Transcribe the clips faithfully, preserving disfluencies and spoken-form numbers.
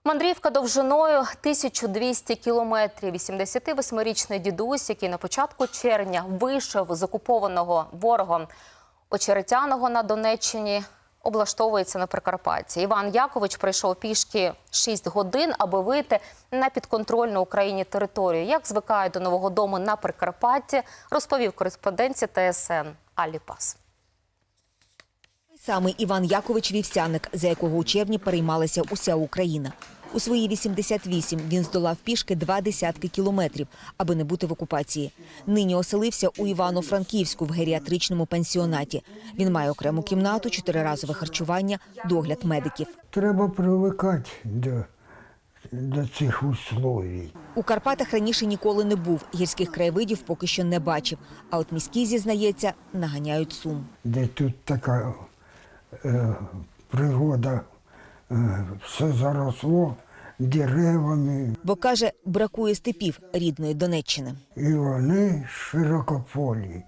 Мандрівка довжиною тисячу двісті кілометрів. вісімдесятивосьмирічний дідусь, який на початку червня вийшов з окупованого ворогом Очеретяного на Донеччині, облаштовується на Прикарпатті. Іван Якович пройшов пішки шість годин, аби вийти на підконтрольну Україні територію. Як звикають до нового дому на Прикарпатті, розповів кореспонденція Т С Н Аллі Пас. Саме Іван Якович Вівсяник, за якого у червні переймалася уся Україна. У свої вісімдесят вісім він здолав пішки два десятки кілометрів, аби не бути в окупації. Нині оселився у Івано-Франківську в геріатричному пансіонаті. Він має окрему кімнату, чотириразове харчування, догляд медиків. Треба привикати до, до цих условій. У Карпатах раніше ніколи не був, гірських краєвидів поки що не бачив. А от міські, зізнається, наганяють сум. Де тут така е, природа, е, все заросло деревами. Бо, каже, бракує степів рідної Донеччини. І вони широкополі.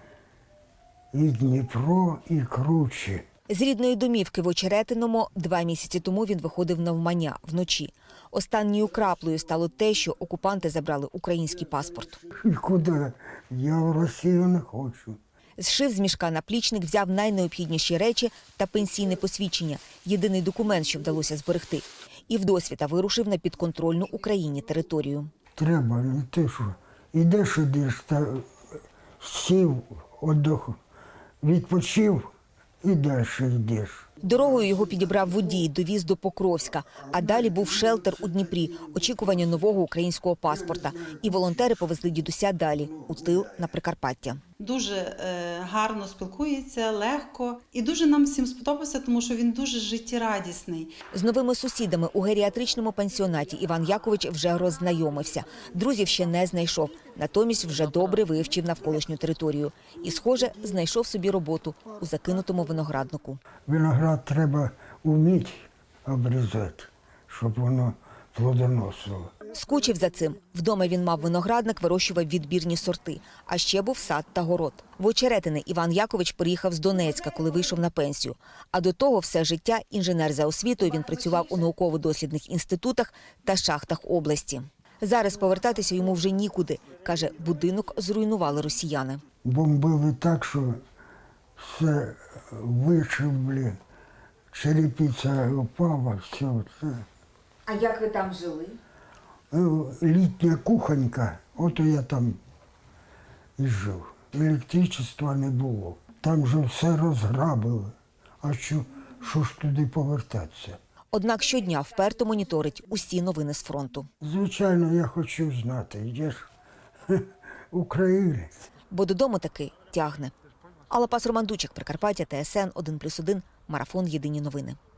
І Дніпро, і круче. З рідної домівки в Очеретиному два місяці тому він виходив навмання вночі. Останньою краплею стало те, що окупанти забрали український паспорт. І куди? Я в Росію не хочу. Зшив з мішка наплічник, взяв найнеобхідніші речі та пенсійне посвідчення – єдиний документ, що вдалося зберегти. І вдосвіта вирушив на підконтрольну Україні територію. Треба, ну ти що, ідеш, ідеш, та сів, отдох, відпочив і далі йдеш. Дорогою його підібрав водій, довіз до Покровська. А далі був шелтер у Дніпрі, очікування нового українського паспорта. І волонтери повезли дідуся далі, у тил на Прикарпаття. Дуже е, гарно спілкується, легко. І дуже нам всім сподобався, тому що він дуже життєрадісний. З новими сусідами у геріатричному пансіонаті Іван Якович вже роззнайомився. Друзів ще не знайшов. Натомість вже добре вивчив навколишню територію. І, схоже, знайшов собі роботу у закинутому винограднику. Виноград треба вміти обрізати, щоб воно плодоносило. Скучив за цим. Вдома він мав виноградник, вирощував відбірні сорти. А ще був сад та город. В Очеретине Іван Якович приїхав з Донецька, коли вийшов на пенсію. А до того все життя інженер за освітою, він працював у науково-дослідних інститутах та шахтах області. Зараз повертатися йому вже нікуди. Каже, будинок зруйнували росіяни. Бомбили так, що все вишибли, черепиця упала, все це. А як ви там жили? Літня кухонька, от я там і жив. Електричества не було. Там же все розграбили. А що, що ж туди повертатися? Однак щодня вперто моніторить усі новини з фронту. Звичайно, я хочу знати, я ж українець. Бо додому таки тягне. Алла Пас, Роман Дучик, Прикарпаття, Т С Н один плюс один, марафон «Єдині новини».